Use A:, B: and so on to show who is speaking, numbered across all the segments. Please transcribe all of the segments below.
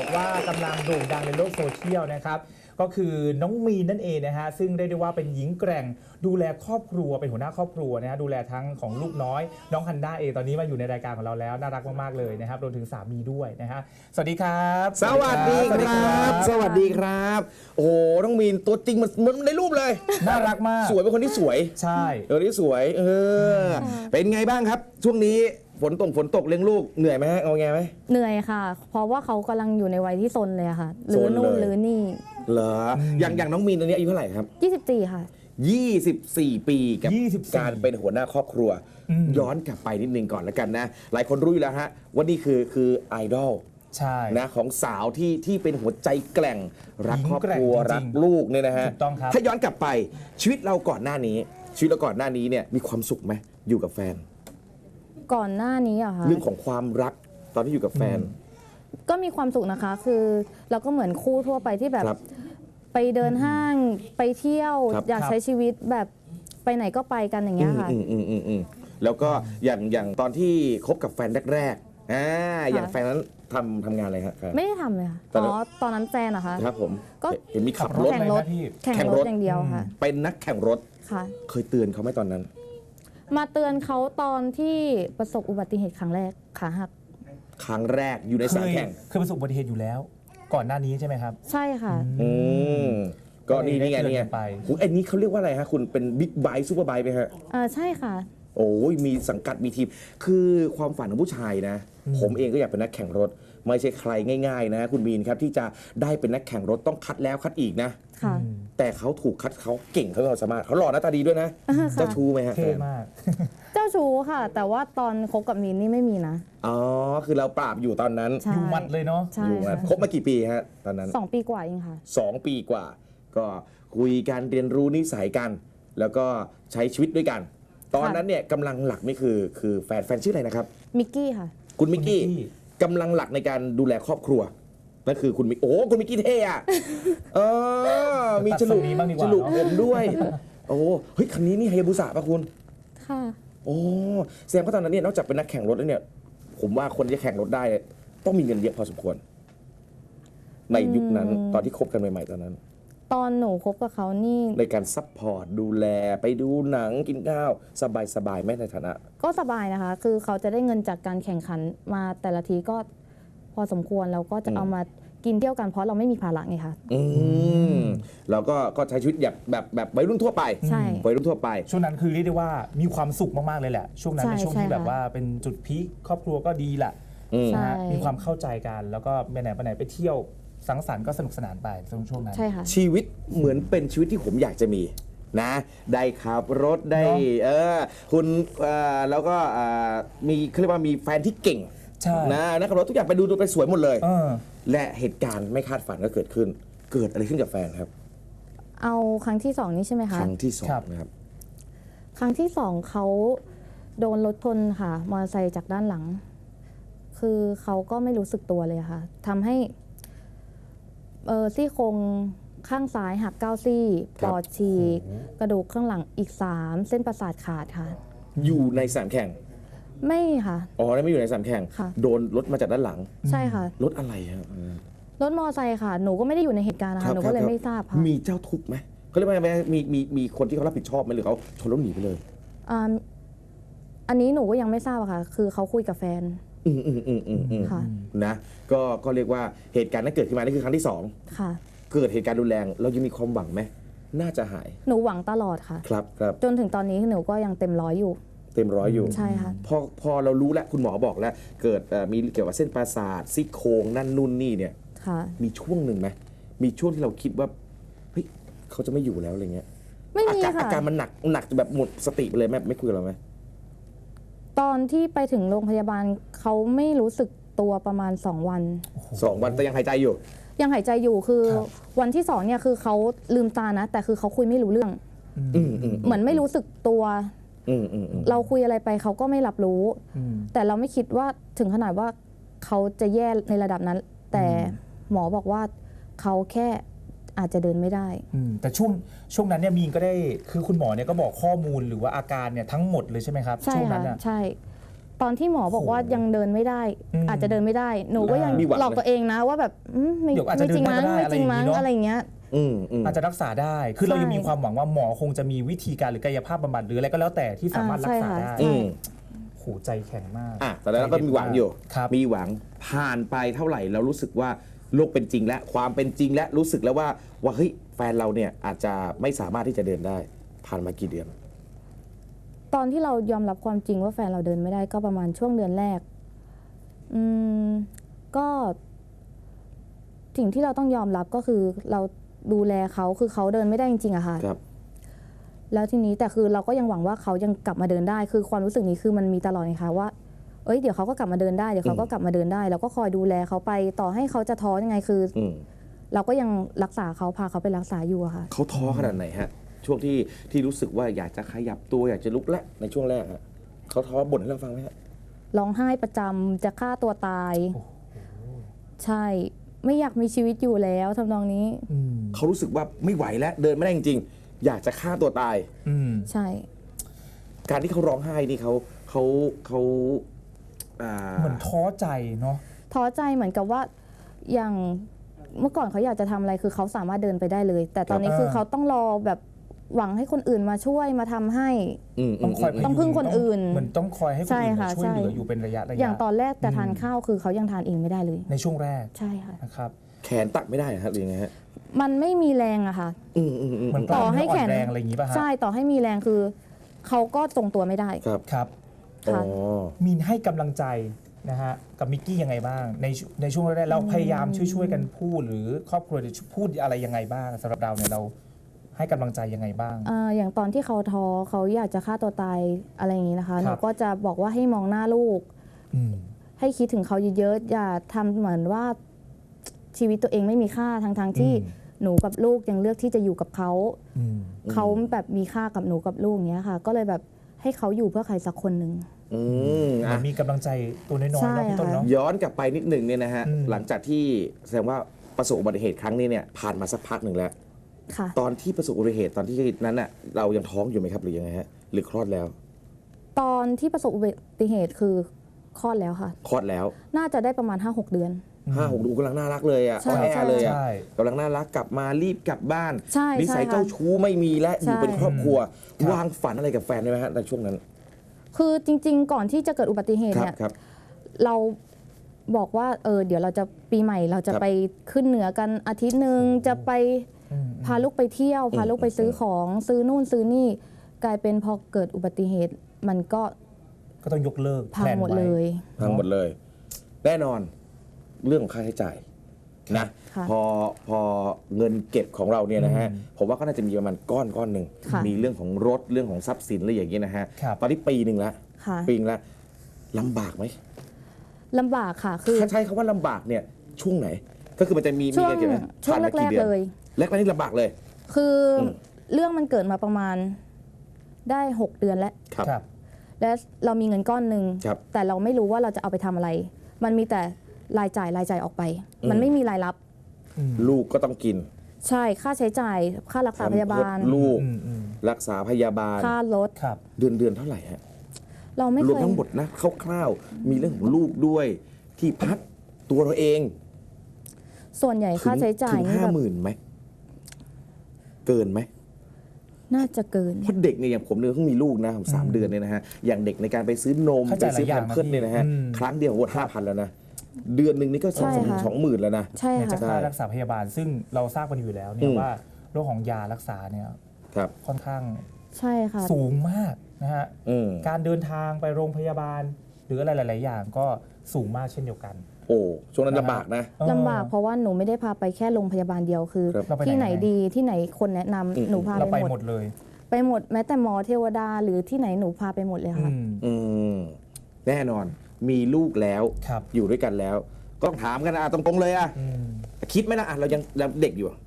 A: บอกว่ากำลังโด่งดังในโลกโซเชียลนะครับก็คือน้องมีนนั่นเองนะฮะซึ่งได้ว่าเป็นหญิงแกร่งดูแลครอบครัวเป็นหัวหน้าครอบครัวนะฮะดูแลทั้งของลูกน้อยน้องฮันด้าเองตอนนี้มาอยู่ในรายการของเราแล้วน่ารักมากๆเลยนะครับรวมถึงสามีด้วยนะฮะสวัสดีครับ
B: สวัสดีครับสวัสดีครับโอ้โหน้องมีนตัวจริงมันในรูปเลย
A: น่ารักมาก
B: สวยเป็นคนที่สวย
A: ใช่
B: คนที่สวยเป็นไงบ้างครับช่วงนี้ฝนตกเลี้ยงลูกเหนื่อยไหมฮะเอาไงไหม
C: เหนื่อยค่ะ เพราะว่าเขากำลังอยู่ในวัยที่ซนเลยค่ะหรือนู่นหรือนี่
B: เหรออย่างน้องมีนตอนนี้อายุเท่าไหร่ครับ
C: 24ค่ะ
B: 24 ปีกับการเป็นหัวหน้าครอบครัวย้อนกลับไปนิดนึงก่อนแล้วกันนะหลายคนรู้อยู่แล้วฮะว่านี่คือไอดอล
A: ใช่
B: นะของสาวที่เป็นหัวใจแกร่งรักครอบครัวรักลูกเนี่ยนะฮะถ้าย้อนกลับไปชีวิตเราก่อนหน้านี้เนี่ยมีความสุขไหมอยู่กับแฟน
C: ก่อนหน้านี้อะค่ะ
B: เรื่องของความรักตอนที่อยู่กับแฟน
C: ก็มีความสุขนะคะคือเราก็เหมือนคู่ทั่วไปที่แบบไปเดินห้างไปเที่ยวอยากใช้ชีวิตแบบไปไหนก็ไปกันอย่างเงี้ยค่ะ
B: แล้วก็อย่างตอนที่คบกับแฟนแรกๆอย่างแฟนนั้นทำงานอะไรครับ
C: ไม่ได้ทำเลยค่ะตอนนั้นแฟนอะคะ
B: ครับผมก็เห็นมีขับรถ
C: แข่งรถอย่างเดียวค่ะ
B: เป็นนักแข่งรถ
C: ค่ะ
B: เคยเตือนเขาไหมตอนนั้น
C: มาเตือนเขาตอนที่ประสบอุบัติเหตุครั้งแรกขาหัก
B: ครั้งแรกอยู่ในสนามแข่ง
A: เคยประสบอุบัติเหตุอยู่แล้วก่อนหน้านี้ใช่ไหมครับ
C: ใช่ค่ะ
B: ก็นี่ไงเนี่ยคุณไอ้นี้เขาเรียกว่าอะไรฮะคุณเป็นบิ๊กไบค์ซูเปอร์ไบค์ไหมฮะ
C: ใช่ค่ะ
B: โอ้ยมีสังกัดมีทีมคือความฝันของผู้ชายนะผมเองก็อยากเป็นนักแข่งรถไม่ใช่ใครง่ายๆนะคุณมีนครับที่จะได้เป็นนักแข่งรถต้องคัดแล้วคัดอีกนะแต่เขาถูกคัดเขาเก่งเขาสามารถเขาหล่อหน้าตาดีด้วยนะเจ้าชู้ไหมฮะ
A: เท่มาก
C: เจ้าชู้ค่ะแต่ว่าตอนคบกับมีนนี่ไม่มีนะ
B: อ๋อคือเราปราบอยู่ตอนนั้น
A: อยู่มัดเลยเนาะ
B: อยู่มัดคบมากี่ปีฮะตอนนั้น
C: 2 ปีกว่าเองค่ะ
B: 2 ปีกว่าก็คุยกันเรียนรู้นิสัยกันแล้วก็ใช้ชีวิตด้วยกันตอนนั้นเนี่ยกำลังหลักนี่คือแฟนชื่ออะไรนะครับ
C: มิกกี้ค่ะ
B: คุณมิกกี้กำลังหลักในการดูแลครอบครัวนั่นคือคุณมิกคุณมิกกี้เท่อะมีฉลุผมด้วยโอ้เฮ้ยคันนี้นี่ไฮยาบุสะป่ะคุณ
C: ค่ะ
B: โอ้แสดงว่าตอนนั้นเนี่ยนอกจากเป็นนักแข่งรถแล้วเนี่ยผมว่าคนที่แข่งรถได้ต้องมีเงินเยอะพอสมควรในยุคนั้นตอนที่คบกันใหม่ๆตอนนั้น
C: ตอนหนูคบกับเขานี่
B: ในการซัพพอร์ตดูแลไปดูหนังกินข้าวสบายไหมในฐานะ
C: ก็สบายนะคะคือเขาจะได้เงินจากการแข่งขันมาแต่ละทีก็พอสมควรเราก็จะเอามากินเที่ยวกันเพราะเราไม่มีภาระไงคะ
B: เราก็ใช้ชีวิตแบบวัยรุ่นทั่วไป
C: ใช่
B: วัยรุ่นทั่วไป
A: ช่วงนั้นคือเรียกได้ว่ามีความสุขมากๆเลยแหละช่วงนั้นเป็นช่วงที่แบบว่าเป็นจุดพีคครอบครัวก็ดีแหละมีความเข้าใจกันแล้วก็ไปไหนไปเที่ยวสังสรรค์ก็สนุกสนานไปช่วงนั้น
B: ชีวิตเหมือนเป็นชีวิตที่ผมอยากจะมีนะได้ขับรถได้คุณแล้วก็มีเขาเรียกว่ามีแฟนที่เก่งนะขับรถทุกอย่างไปดูไปสวยหมดเลยและเหตุการณ์ไม่คาดฝันก็เกิดขึ้นเกิดอะไรขึ้นกับแฟนครับ
C: เอาครั้งที่2นี่ใช่ไหมคะ
B: ครั้งที่2นะครับ
C: ครั้งที่2เขาโดนรถชนค่ะมอเตอร์ไซค์จากด้านหลังคือเขาก็ไม่รู้สึกตัวเลยค่ะทำให้ซี่โครงข้างซ้ายหัก9 ซี่ปอดฉีกกระดูกข้างหลังอีก3เส้นประสาทขาดค่ะ
B: อยู่ในสนามแข่ง
C: ไม่ค่ะ
B: ไม่อยู่ในสนามแข่งโดนรถมาจากด้านหลัง
C: ใช่ค่ะ
B: รถอะไรครับ
C: รถมอเตอร์ไซค์ค่ะหนูก็ไม่ได้อยู่ในเหตุการณ์นะคะหนูก็เลยไม่ทราบค่ะ
B: มีเจ้าทุกข์ไหมเขาเรียกว่ามีคนที่เขารับผิดชอบไหมหรือเขาชนแล้วหนีไปเลย
C: อันนี้หนูก็ยังไม่ทราบค่ะคือเขาคุยกับแฟน
B: ค่ะนะก็เรียกว่าเหตุการณ์นั้นเกิดขึ้นมานี่คือครั้งที่2
C: ค่ะ
B: เกิดเหตุการณ์รุนแรงเรายังมีความหวังไหมน่าจะหาย
C: หนูหวังตลอดค่ะ
B: ครับ
C: จนถึงตอนนี้หนูก็ยังเต็มร้อยอยู่ใช่ค่ะ
B: พอเรารู้แล้วคุณหมอบอกแล้วเกิดมีเกี่ยวกับเส้นประสาทซี่โครงนั่นนู่นนี่เนี่ยมีช่วงหนึ่งไหมมีช่วงที่เราคิดว่าเฮ้ยเขาจะไม่อยู่แล้วอะไรเงี้ย
C: ไม่มีค่ะ
B: อาการมันหนักแบบหมดสติไปเลยไม่คุยกับเราไหม
C: ตอนที่ไปถึงโรงพยาบาลเขาไม่รู้สึกตัวประมาณ2 วัน
B: แต่ยังหายใจอยู่
C: คือวันที่2เนี่ยคือเขาลืมตานะแต่คือเขาคุยไม่รู้เรื่องเหมือนไม่รู้สึกตัวเราคุยอะไรไปเขาก็ไม่รับรู้แต่เราไม่คิดว่าถึงขนาดว่าเขาจะแย่ในระดับนั้นแต่หมอบอกว่าเขาแค่อาจจะเดินไม่ได้
A: แต่ช่วงนั้นเนี่ยมีนก็ได้คือคุณหมอเนี่ยก็บอกข้อมูลหรือว่าอาการเนี่ยทั้งหมดเลยใช่ไหมครับ
C: ช่วง
A: นั้น
C: ใช่ตอนที่หมอบอกว่ายังเดินไม่ได้ อาจจะเดินไม่ได้ หนูก็ยัง
B: มีหวังนะ
C: หลอกตัวเองนะว่าแบบไม่
A: เดี๋ยวอาจจะ
C: ไม่จริงมั้ง
A: เดินได้
C: ไม่จริงมั้ง
A: อะไร
C: อะไร
A: อย่างงี้เนอะ
C: อย่างเงี้ย
A: อาจจะรักษาได้ คือเรา
C: ใช่
A: ยังมีความหวังว่าหมอคงจะมีวิธีการหรือกายภาพบำบัดหรืออะไรก็แล้วแต่ที่สามารถรักษาได้
C: ใช่
A: โหใจแข็งมาก
B: แต่แล้วก็มีหวังอยู่
A: ครับ
B: มีหวังผ่านไปเท่าไหร่เรารู้สึกว่าโลกเป็นจริงและความเป็นจริงและรู้สึกแล้วว่าเฮ้ยแฟนเราเนี่ยอาจจะไม่สามารถที่จะเดินได้ผ่านมากี่เดือน
C: ตอนที่เรายอมรับความจริงว่าแฟนเราเดินไม่ได้ก็ประมาณช่วงเดือนแรกก็สิ่งที่เราต้องยอมรับก็คือเราดูแลเขาคือเขาเดินไม่ได้จริงๆอะค่ะ
B: ครับ
C: แล้วทีนี้แต่คือเราก็ยังหวังว่าเขายังกลับมาเดินได้ คือความรู้สึกนี้คือมันมีตลอดไงคะว่าเอ้ยเดี๋ยวเขาก็กลับมาเดินได้เดี๋ยวเขาก็กลับมาเดินได้เราก็คอยดูแลเขาไปต่อให้เขาจะท้อยังไงคือเราก็ยังรักษาเขาพาเขาไปรักษาอยู่อะค่ะ
B: เขาท้อขนาดไหนฮะช่วงที่รู้สึกว่าอยากจะขยับตัวอยากจะลุกและในช่วงแรกฮะเขาท้อบ่นให้เราฟังไหมฮะ
C: ร้องไห้ประจำจะฆ่าตัวตาย ใช่ไม่อยากมีชีวิตอยู่แล้วทำนองนี้
B: เขารู้สึกว่าไม่ไหวแล้วเดินไม่ได้จริงๆอยากจะฆ่าตัวตาย
C: ใช่
B: การที่เขาร้องไห้นี่เขา
A: เหมือนท้อใจเนาะ
C: ท้อใจเหมือนกับว่าอย่างเมื่อก่อนเขาอยากจะทำอะไรคือเขาสามารถเดินไปได้เลย แต่ตอนนี้คือเขาต้องรอแบบหวังให้คนอื่นมาช่วยมาทำให้
A: ต้องคอย
C: ต้องพึ่งคนอื่น
A: เหมือนต้องคอยให้คน
C: ใช่
A: อื่น
C: ค่ะ
A: มาช่วยเหลือ
C: ใช่
A: อยู่เป็นระยะ
C: อย่างตอนแรกแต่ทานข้าวคือเขายังทานเองไม่ได้เลย
A: ในช่วงแรก
C: ใช่ค่ะ
A: นะครับ
B: แขนตักไม่ได้ฮะหรือยังไงฮะ
C: มันไม่มีแรงอะค่ะ
A: เหมือนกล้ามเนื้ออ่อนแรงอะไรอย่างนี้ป่ะฮะ
C: ใช่ต่อให้มีแรงคือเขาก็ทรงตัวไม่ได้
B: ครับ
A: ครับ
C: ค่ะ
A: มีนให้กำลังใจนะฮะกับมิกกี้ยังไงบ้างในช่วงแรกๆเราพยายามช่วยกันพูดหรือครอบครัวจะพูดอะไรยังไงบ้างสำหรับเราเนี่ยเราให้กำลังใจยังไงบ้าง
C: อย่างตอนที่เขาท้อเขาอยากจะฆ่าตัวตายอะไรอย่างนี้นะคะ
A: ครับ
C: หนูก็จะบอกว่าให้มองหน้าลูก ให้คิดถึงเขาเยอะๆอย่าทำเหมือนว่าชีวิตตัวเองไม่มีค่าทั้งที่หนูกับลูกยังเลือกที่จะอยู่กับเขาเขาแบบมีค่ากับหนูกับลูกอย่างเงี้ยค่ะ ก็เลยแบบให้เขาอยู่เพื่อใครสักคนหนึ่ง
A: มันมีกำลังใจตัวน้อยๆ
C: ใช่
A: เนาะพี่ต้น
C: ค่ะ
A: เนาะ
B: ย้อนกลับไปนิดหนึ่งเนี่ยนะฮะ
A: อืม
B: หลังจากที่แสดงว่าประสบอุบัติเหตุครั้งนี้เนี่ยผ่านมาสักพักหนึ่งแล้ว
C: ค่ะ
B: ตอนที่ประสบอุบัติเหตุตอนที่นั้นน่ะเรายังท้องอยู่ไหมครับหรือยังไงฮะหรือคลอดแล้ว
C: ตอนที่ประสบอุบัติเหตุคือคลอดแล้วค่ะ
B: คลอดแล้ว
C: น่าจะได้ประมาณ 5-6 เดือน
B: 5-6 ดูกำลังน่ารักเลยอ่ะ
C: ใช่
B: อ่อนแอเลยอ่ะ
A: ใช่
B: กำลังน่ารักกลับมารีบกลับบ้าน
C: ใช่
B: นิสัย
C: ใช่ค่ะ
B: เจ้าชู้ไม่มีและอยู่
C: ใช่
B: เป็นครอบครัว
A: ครับ
B: วางฝันอะไรกับแฟนได้ไหมฮะในช่วงนั้น
C: คือจริง ๆ ก่อนที่จะเกิดอุบัติเหตุ
B: ครับ
C: เนี่ย
B: ครับ
C: เราบอกว่าเดี๋ยวเราจะปีใหม่เราจะ
B: ครับ
C: ไปขึ้นเหนือกันอาทิตย์หนึ่งจะไปพาลูกไปเที่ยว พาลูกไปซื้อของซื้อนู่นซื้อนี่ กลายเป็นพอเกิดอุบัติเหตุมันก็
A: ก็ต้องยกเลิก
C: พัง
A: แพลน
C: หมด
A: ไว้
C: เลย
B: ทั้งหมดเลย แน่นอนเรื่องของค่าใช้จ่ายนะ
C: ค่ะ
B: พอเงินเก็บของเราเนี่ยนะฮะ
A: อืม
B: ผมว่าก็น่าจะมีประมาณก้อนหนึ่ง
C: ค่ะ
B: มีเรื่องของรถเรื่องของทรัพย์สินอะไรอย่างเงี้ยนะฮะ
A: ครับ
B: ตอนนี้ปีหนึ่งแล้ว
C: ค่ะ
B: ปีนึงแล้วลำบากไหม
C: ลำบากค่ะ คือ
B: ถ้าใช้คำว่าลำบากเนี่ยช่วงไหน ก็คือมันจะมี
C: ช่วง
B: เงินเก็บไหม
C: ช่วง
B: ผ่านมา
C: แร
B: กี่
C: ก
B: เดือน
C: ๆเลย
B: แรกๆนี่ลำบากเลย
C: คืออ
B: ม
C: เรื่องมันเกิดมาประมาณได้ 6 เดือนแล้ว
B: ครับ
A: ครับ
C: และเรามีเงินก้อนหนึ่ง
B: ครับ
C: แต่เราไม่รู้ว่าเราจะเอาไปทำอะไร มันมีแต่รายจ่ายออกไป มันไม่มีรายรับ
B: ลูกก็ต้องกิน
C: ใช่ค่าใช้จ่ายค่ารักษาพยาบาล
B: ลูก
A: อืม
B: รักษาพยาบาล
C: ค่ารถ
A: ครับ
B: เดือนเท่าไหร่ฮะ
C: เราไม่
B: ร
C: เคว
B: ม
C: ย
B: ทั้งหมดนะคร่าวๆมีเรื่องของลูกด้วยที่พักตัวเราเอง
C: ส่วนใหญ่ค่าใช้จ่าย
B: ถึง
C: นี่แบบ
B: 50,000ไหมเกินไหม
C: น่าจะเกิน
B: เพราะเด็กเนี่ยอย่างผมเนี่ยเพิ่งมีลูกนะผม3 เดือนเนี่ยนะฮะอย่างเด็กในการไปซื้อนม
A: เข้า
B: ไป
A: ใจ
B: ซื้อ
A: หลายอ
B: แพ
A: ย่าง
B: มเพิร์สเนี่ยนะฮะ
A: อืม
B: ครั้งเดียวหมด5,000แล้วนะเดือนหนึ่งนี่ก็
C: ใช่ค่ะ
B: 20,000แล้วนะ
C: ใช่
A: ในจะ
C: ค่ะ
A: ค่ารักษาพยาบาล ซึ่งเราทราบกันอยู่แล้วเนี่
B: อื
A: ย
B: ม
A: ว่าโรคของยารักษาเนี่ย
B: ครับ
A: ค่อนข้าง
C: ใช่ค่ะ
A: สูงมากนะฮะ
B: อืม
A: การเดินทางไปโรงพยาบาล หรืออะไรหลาย ๆ อย่างก็สูงมากเช่นเดียวกัน
B: โอ้ช่วงนั้นลำบากนะ
C: ลำบากเพราะว่าหนูไม่ได้พาไปแค่โรงพยาบาลเดียวคือ
B: ครับ
A: เราไปไหน
C: ที่ไหนดีที่ไหนคนแนะนำ
B: อืม
C: หนูพา
A: เราไป
C: ไปห
A: ห
C: ม
A: ม
C: ด
A: ดเลย
C: ไปหมดแม้แต่หมอเทวดาหรือที่ไหนหนูพาไปหมดเลยค่ะ
B: อืมแน่นอนมีลูกแล้ว
A: ครับ
B: อยู่ด้วยกันแล้ว ก็ต้องถามกันนะตรงๆเลยอะ
A: อืม
B: คิดไหมนะเรายังเด็กอยู่อะ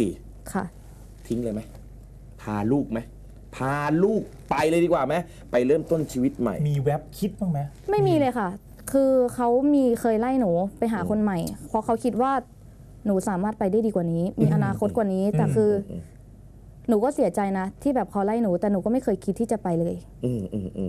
B: 24
C: ค่ะ
B: ทิ้งเลยไหมพาลูกไหมพาลูกไปเลยดีกว่าไหมไปเริ่มต้นชีวิตใหม่
A: มีแว็บคิดบ้างไหม
C: ไม่มีเลยค่ะ คือเขาเคยไล่หนูไปหาคนใหม่ เพราะเขาคิดว่าหนูสามารถไปได้ดีกว่านี้ มีอนาคตกว่านี้ แต่คืออหนูก็เสียใจนะ ที่แบบเขาไล่หนู แต่หนูก็ไม่เคยคิดที่จะไปเลย
B: อืม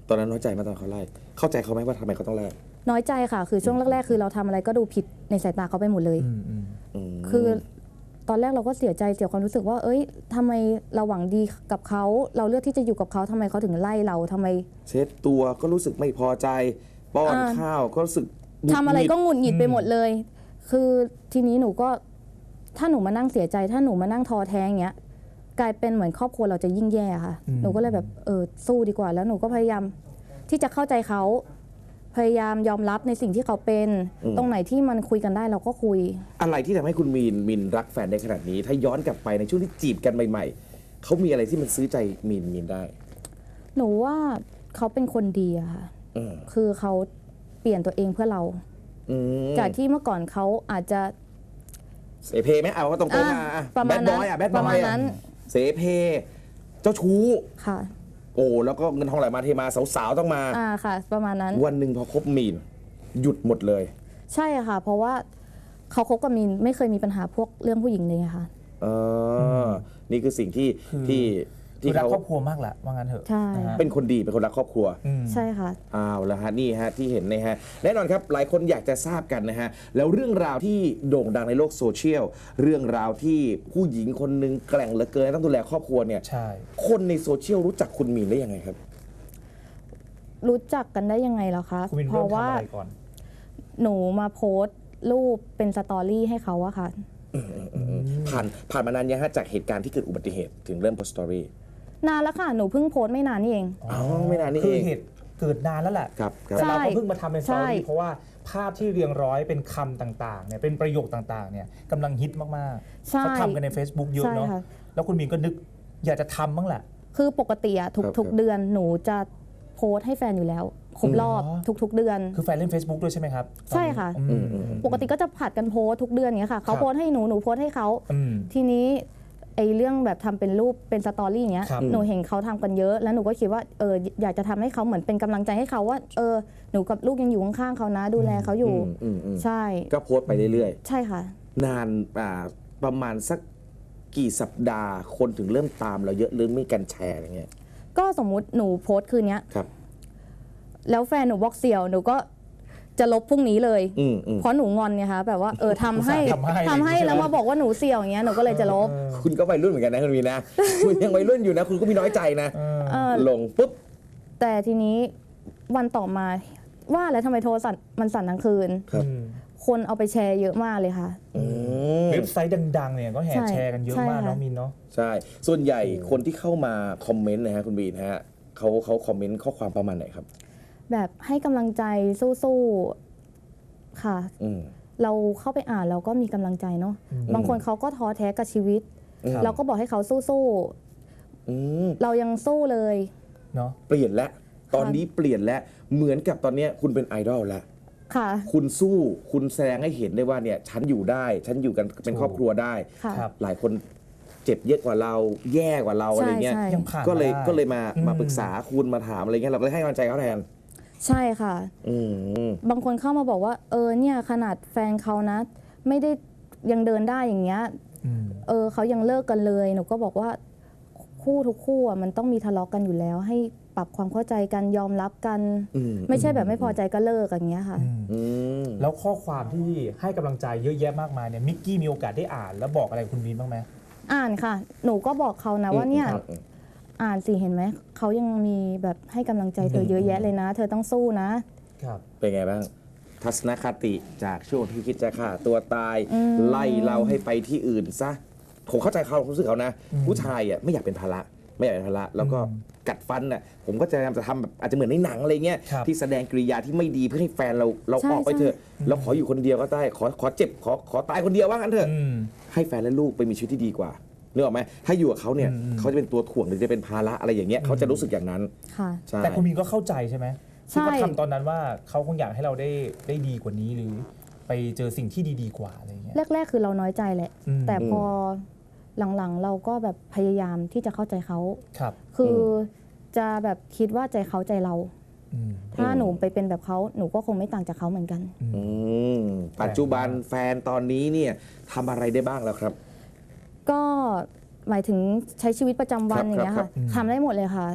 B: ตอนนั้นน้อยใจไหมตอนเขาไล่เข้าใจเขาไหมว่าทำไมเขาต้องไล่
C: น้อยใจค่ะ คือช่วงแรกๆคือเราทำอะไรก็ดูผิดในสายตาเขาไปหมดเลย คือตอนแรกเราก็เสียใจเสียความรู้สึกว่า เอ้ยทำไมเราหวังดีกับเขาเราเลือกที่จะอยู่กับเขาทำไมเขาถึงไล่เราทำไม
B: เช็ดตัวก็รู้สึกไม่พอใจป้อนข้าวก็รู้สึกหงุดหงิด
C: ทำอะไรก็หงุดหงิดไปหมดเลย คือทีนี้หนูก็ถ้าหนูมานั่งเสียใจ ถ้าหนูมานั่งท้อแท้อย่างเงี้ยกลายเป็นเหมือนครอบครัวเราจะยิ่งแย่ค่ะ หนูก็เลยแบบสู้ดีกว่า แล้วหนูก็พยายามที่จะเข้าใจเขาพยายามยอมรับในสิ่งที่เขาเป็น ตรงไหนที่มันคุยกันได้เราก็คุย
B: อะไรที่ทำให้คุณมินรักแฟนได้ขนาดนี้ ถ้าย้อนกลับไปในช่วงที่จีบกันใหม่ๆเขามีอะไรที่มันซื้อใจมินได้
C: หนูว่าเขาเป็นคนดีอะค่ะคือเขาเปลี่ยนตัวเองเพื่อเราจากที่เมื่อก่อนเขาอาจจะ
B: เสเพไหมเอาก็ตรงๆมา
C: ประมาณนั้น
B: แบดบ
C: ประ
B: อ
C: มาณ
B: ย
C: นั้น
B: เสเพเจ้าชู้
C: ค่ะ
B: โอ้แล้วก็เงินทองไหลมาเทมาสาวๆต้องมา
C: ค่ะ ประมาณนั้น
B: วันหนึ่งพอคบมีนหยุดหมดเลย
C: ใช่ค่ะ เพราะว่าเขาคบกับมีนไม่เคยมีปัญหาพวกเรื่องผู้หญิงเลยอะค่ะ
B: นี่คือสิ่งที่
A: รัก
B: เขา
A: ครอบครัวมากแหละว่างั้นเถอะ
C: ใช่
A: นะฮะ
B: เป็นคนดีเป็นคนรักครอบครัว
C: ใช่ค่ะ
B: อ้าวแล้วฮะนี่ฮะที่เห็นนะฮะแน่นอนครับหลายคนอยากจะทราบกันนะฮะแล้วเรื่องราวที่โด่งดังในโลกโซเชียลเรื่องราวที่ผู้หญิงคนหนึ่งแกร่งเหลือเกินต้องดูแลครอบครัวเนี่ย
A: ใช่
B: คนในโซเชียลรู้จักคุณมีนได้ยังไงครับ
C: รู้จักกันได้ยังไงเหรอคะ
A: คุณมิน
C: เพ
A: เริ่ม
C: ราะ
A: ทำ
C: ว่า
A: อะไรก่อน
C: หนูมาโพสต์รูปเป็นสตอรี่ให้เขาอะค่ะ
B: ผ่านมานานยังฮะจากเหตุการณ์ที่เกิดอุบัติเหตุถึงเริ่มโพสต์สตอรี่
C: นานแล้วค่ะ หนูเพิ่งโพสต์ไม่นานนี่เอง
B: อ๋อไม่นานนี่
A: คื
B: เอ
A: อง เหตุเกิดนานแล้วแหละ
B: ครับ
A: แต่เราก็เพิ่งมาทำเป็นสตอ
C: ใช่
A: รี่เพราะว่าภาพที่เรียงร้อยเป็นคำต่างๆเนี่ยเป็นประโยคต่างๆเนี่ยกำลังฮิตมากๆ
C: ใช่
A: เขาทำกันใน Facebook เยอะเนาะ
C: ใช่ค่ะ
A: แล้วคุณมินก็นึกอยากจะทำบ้างแหละ
C: คือปกติอะทุกๆเดือนหนูจะโพสต์ให้แฟนอยู่แล้วครบรอบทุกๆเดือน
A: คือแฟนเล่น Facebook ด้วยใช่ไหมครับ
C: ใช่ค่ะ ปกติก็จะผัดกันโพสต์ทุกเดือนอย่างเงี้ยค่ะเขาโพสต์ให้หนูโพสต์ให้เขาทีนี้ไอ้เรื่องแบบทำเป็นรูปเป็นสตอรี่อย่างเงี้ย
A: ครับ
C: หนูเห็นเขาทำกันเยอะ แล้วหนูก็คิดว่าอยากจะทำให้เขาเหมือนเป็นกำลังใจให้เขาว่าหนูกับลูกยังอยู่ข้างๆเขานะดูแลเขาอยู่ใช่
B: ก็โพสต์ไปเรื่อย
C: ใช่ค่ะ
B: ๆนานประมาณสักกี่สัปดาห์คนถึงเริ่มตามเราเยอะหรือมีการแชร์อะไรเงี้ย
C: ก็สมมุติหนูโพสต์คืนเนี้ย
B: ครับ
C: แล้วแฟนหนูบอกเสี่ยวหนูก็จะลบพรุ่งนี้เลย เพราะหนูงอนไงคะแบบว่าทำให้
A: ทำให้
C: แล้วมาบอกว่าหนูเสี่ยวอย่างเงี้ยหนูก็เลยจะลบ
B: คุณก็วัยรุ่นเหมือนกันนะคุณมีนะ คุณยังวัยรุ่นอยู่นะ คุณก็มีน้อยใจนะลงปุ๊บ
C: แต่ทีนี้วันต่อมาว่าแล้วทำไมโทรศัพท์มันสั่นทั้งคืน
B: ครับ
C: คนเอาไปแชร์เยอะมากเลยค่ะ
A: เว็บไซต์ดังๆเนี่ยก็แห่แชร์กันเยอะมาก
C: ใช่ค่ะ
A: เนาะมินเนาะ
B: ใช่ ส่วนใหญ่คนที่เข้ามาคอมเมนต์นะฮะคุณบีนะฮะเขาคอมเมนต์ข้อความประมาณไหนครับ
C: แบบให้กำลังใจสู้ๆค่ะ เราเข้าไปอ่านเราก็มีกำลังใจเนาะบางคนเขาก็ท้อแท้กับชีวิต เราก็บอกให้เขาสู้ๆเรายังสู้เลย
A: เนาะ
B: เปลี่ยนแล้วตอนนี้เปลี่ยนแล้วเหมือนกับตอนเนี้ยคุณเป็นไอดอลแล้ว
C: ค่ะ
B: คุณสู้คุณแสดงให้เห็นได้ว่าเนี่ยฉันอยู่ได้ฉันอยู่กันเป็นครอบครัวได้
C: ค่ะ
A: ครับ
B: หลายคนเจ็บเยอะกว่าเราแย่กว่าเราอะไรเงี้ย
C: ใช่
A: ยังผ่าน
B: ก็เลย
A: มาได้
B: ก็เลยมาปรึกษาคุณมาถามอะไรเงี้ยเราก็เลยให้กำลังใจเขาแทน
C: ใช่ค่ะ บางคนเข้ามาบอกว่าเนี่ยขนาดแฟนเขานะ ไม่ได้ยังเดินได้อย่างเงี้ยเขายังเลิกกันเลยหนูก็บอกว่าคู่ทุกคู่อะมันต้องมีทะเลาะกันอยู่แล้ว ให้ปรับความเข้าใจกันยอมรับกัน ไม่ใช่แบบไม่พอใจก็เลิกอย่างเงี้ยค่ะ
A: แล้วข้อความที่ให้กำลังใจเยอะแยะมากมายเนี่ยมิกกี้มีโอกาสได้อ่านแล้วบอกอะไรคุณมินบ้างไหม
C: อ่านค่ะ หนูก็บอกเขานะว่าเนี่ยอ่านสิเห็นไหมเขายังมีแบบให้กำลังใจเธอเยอะแยะเลยนะ เธอต้องสู้นะครับ
B: เป็นไงบ้าง ทัศนคติจากช่วงที่คิดจะฆ่าตัวตาย ไล่เราให้ไปที่อื่นซะผมเข้าใจเขารู้สึกเขานะ ผู้ชายอ่ะไม่อยากเป็นภาระไม่อยากเป็นภาระแล้วก็กัดฟันน่ะผมก็จะพยายามจะทำแบบอาจจะเหมือนในหนังอะไรเงี้ย
A: ครับ
B: ที่แสดงกริยาที่ไม่ดีเพื่อให้แฟนเราออกไปเถอะเราขออยู่คนเดียวก็ได้ขอเจ็บขอตายคนเดียวว่างั้นเถอะให้แฟนและลูกไปมีชีวิตที่ดีกว่านึกออกไหมถ้าอยู่กับเขาเนี่ยเขาจะเป็นตัวถ่วงหรือจะเป็นภาระอะไรอย่างเงี้ยเขาจะรู้สึกอย่างนั้น
C: ค่ะ
B: ใช่
A: แต่คุณมินก็เข้าใจใช่ไหม
C: ใช่
A: ที่เขาทำตอนนั้นว่าเขาคงอยากให้เราได้ดีกว่านี้หรือไปเจอสิ่งที่ดีๆกว่าอะไรอย่างเงี้ย
C: แรกๆคือเราน้อยใจแหละ แต่พอหลังๆเราก็แบบพยายามที่จะเข้าใจเขา
A: ครับ
C: คือจะแบบคิดว่าใจเขาใจเรา ถ้าหนูไปเป็นแบบเขาหนูก็คงไม่ต่างจากเขาเหมือนกัน
B: ปัจจุบันแฟนตอนนี้เนี่ยทำอะไรได้บ้างแล้วครับ
C: ก็หมายถึงใช้ชีวิตประจำวัน
B: ครับ
C: อย่างเงี้ย
B: ครั
C: ค่ะ
B: บ
C: ทำได้หมดเลยค่ะ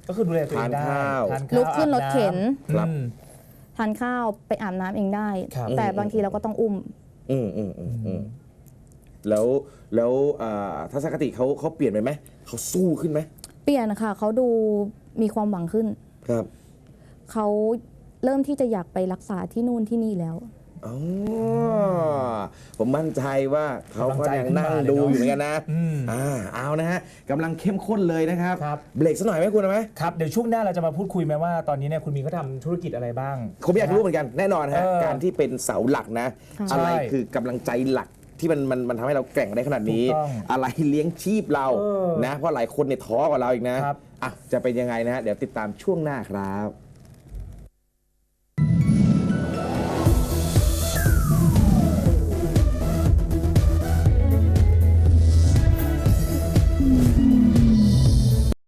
A: ก็คือดูแลตัวเองได้
B: ทานข้าว
A: ทานข้าว
C: ลุกขึ้นรถเข็น
B: ครับ
C: ทานข้าวไปอาบน้ำเองได้
A: ครับ
C: แต่บางทีเราก็ต้องอุ้ม
B: แล้วทัศนคติเขาเปลี่ยนไปไหมเขาสู้ขึ้นไหม
C: เปลี่ยนค่ะเขาดูมีความหวังขึ้น
B: ครับ
C: เขาเริ่มที่จะอยากไปรักษาที่นู่นที่นี่แล้ว
B: อ๋อผมมั่นใจว่าเขาก็ยังนั่งดูอยู่เหมือนกันนะเอานะฮะกำลังเข้มข้นเลยนะครับ
A: ครับ
B: เบรกสักหน่อยไหมคุณไหม
A: ครับเดี๋ยวช่วงหน้าเราจะมาพูดคุยไหมว่าตอนนี้เนี่ยคุณมีเขาทำธุรกิจอะไรบ้าง
B: ผมอยากรู้เหมือนกันแน่นอนฮะ
A: เออ
B: การที่เป็นเสาหลักนะ
C: ค่ะ
B: อะไร
A: ใช่
B: คือกำลังใจหลักที่มันทำให้เราแกร่งได้ขนาดนี้
A: ถูกต้อง
B: อะไรเลี้ยงชีพเรา
A: เออ
B: นะเพราะหลายคนเนี่ยท้อกว่าเราอีกนะจะเป็นยังไงนะฮะเดี๋ยวติดตามช่วงหน้าครับ